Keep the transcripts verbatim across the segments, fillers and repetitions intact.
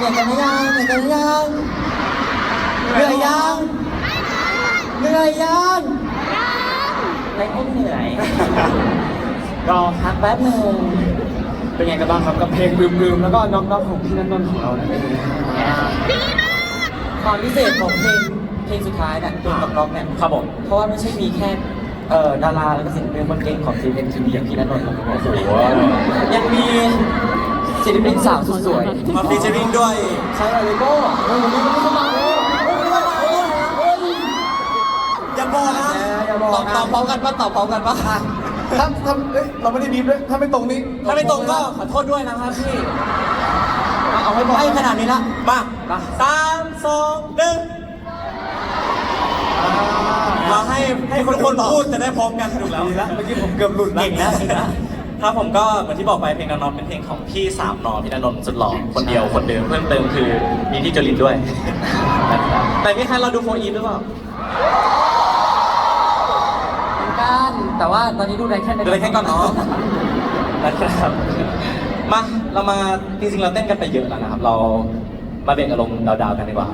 นื่อยกันหรือยังเหนื่อยกันหรือยังเหนื่อยยังเหนื่อยยังไม่ให้เหนื่อยรอพักแป๊บหนึ่งเป็นไงกันบ้างครับกับเพลงลืมๆแล้วก็น็อกๆของพี่นันนนท์ของเราเนี่ยความพิเศษของเพลงเพลงสุดท้ายเนี่ยเพลงน็อกๆเนี่ยครับผมเพราะว่าไม่ใช่มีแค่เอ่อดาราแล้วก็ศิลปินคนเก่งของทีมเอ็มทีวีอย่างพี่นันนนท์นะครับยังมีศิลปินสาวสุดสวยมาฟีเจอริ่งด้วยใช่เลยก็เฮ้ยวันนี้มันไม่มาเลยอย่าบอกนะตอบตอบพร้อมกันป่ะตอบพร้อมกันป่ะถ้าถ้าเราไม่ได้ดีด้วยถ้าไม่ตรงนี้ถ้าไม่ตรงก็ขอโทษด้วยนะครับพี่เอาให้บอกให้ขนาดนี้ละมาสามสองหนึ่งมาให้ให้คนคนพูดจะได้พร้อมกันถูกแล้วเมื่อกี้ผมเกือบหลุดแล้วเก่งแล้วครับผมก็เหมือนที่บอกไปเพลงนอนเป็นเพลงของพี่สามนอพี่นนท์สุดหล่อคนเดียวคนเดิมเพิ่มเติมคือมีพี่จรินด้วยแต่พี่ใครเราดูโฟอีฟหรือเปล่ากันแต่ว่าตอนนี้ดูได้แค่ดูได้แค่ก่อนเนาะนะครับมาเรามาจริงๆเราเต้นกันไปเยอะแล้วนะครับเรามาเบ่งอารมณ์ดาวๆกันดีกว่า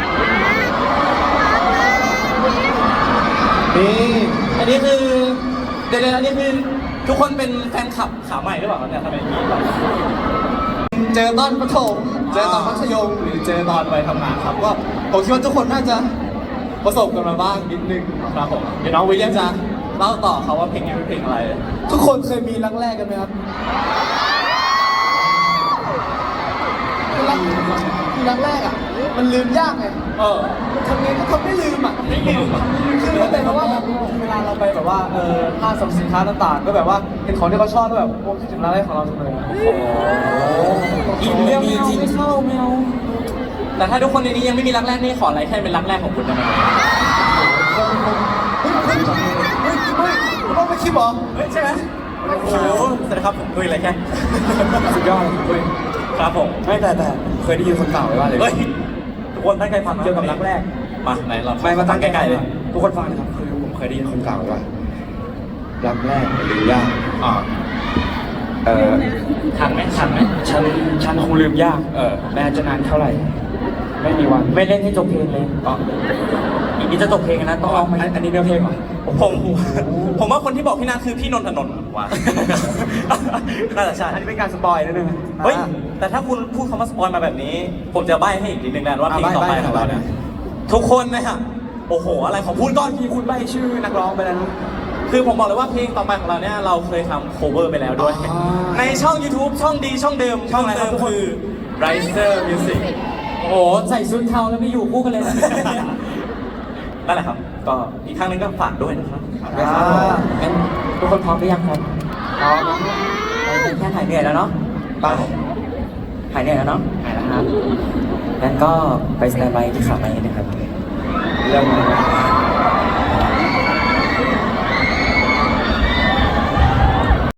นี่อันนี้คือเดี๋ยวๆอันนี้คือทุกคนเป็นแฟนคลับขาใหม่หรือเปล่าเนี่ยทำไมมีเจอตอนประถมเจอตอนมัธยมหรือเจอตอนไปทำงานครับก็ผมคิดว่าทุกคนน่าจะประสบกันมาบ้างนิดนึงครับผมเดี๋ยวน้องวิลเลียมจะเล่าต่อเขาว่าเพลงนี้เป็นเพลงอะไรทุกคนเคยมีรักแรกกันไหมครับรักรักแรกอ่ะมันลืมยากไงเออทำไงก็ทำไม่ลืมอ่ะไม่ลืมคือมันเป็นเพราะว่าแบบเวลาเราไปแบบว่าเออห้างสรรพสินค้าต่างๆก็แบบว่าเห็นของที่เขาชอบก็แบบโอ้คิดถึงรักแรกของเราจังเลยโอ้โหมีจริงไม่เข้าไม่เอาแต่ถ้าทุกคนในนี้ยังไม่มีรักแรกนี่ขออะไรแค่เป็นรักแรกของคุณได้ไหมเฮ้ยเฮ้ยเฮ้ยต้องไปคิดหรอเฮ้ยใช่ไหมโอ้โหสวัสดีครับผมคุยอะไรแค่สุดยอดคุยครับผมไม่แต่แต่เคยได้ยินคนกล่าวไว้ว่าเลยทุกคนตั้งใจฟังเกี่ยวกับรักแรกมาไหนเราไม่มาตั้งใกล้ๆเลยทุกคนฟังนะครับคือผมเคยได้ยินคนกล่าวไว้ว่ารักแรกลืมยากอ่าเออทันไหมทันไหมฉันฉันคงลืมยากเออแม้จะนานเท่าไหร่ไม่มีวันไม่เล่นให้จบเพลงเลยอ๋ออีกนี้จะจบเพลงนะต้องเอาไหมอันนี้เนื้อเพลงเหรอผมผมว่าคนที่บอกพี่นัทคือพี่นนทนนท์ว่ะน่าจะใช่อันนี้เป็นการสปอยนิดนึงเฮ้ยแต่ถ้าคุณพูดคำว่าสปอยมาแบบนี้ผมจะใบ้ให้อีกนิดนึงนะว่าเพลงต่อไปของเราเนี่ยทุกคนนะฮะโอ้โหอะไรของพูดก่อนที่คุณใบ้ชื่อนักร้องไปแล้วนะคือผมบอกเลยว่าเพลงต่อไปของเราเนี่ยเราเคยทำ cover ไปแล้วด้วยในช่อง YouTube ช่องดีช่องเดิมช่องเดิมคือ Riser Music โอ้โหใส่ชุดเทาแล้วไม่อยู่คู่กันเลยนั่นแหละครับก็อีกครั้งนึงก็ฝากด้วยนะครับงั้นทุกคนพร้อมหรือยังครับพร้อมเราแค่หายเหนื่อยแล้วเนาะไปหายเหนื่อยแล้วเนาะหายแล้วครับงั้นก็ไปสแตนบายที่ขาไม้นะครับเริ่ม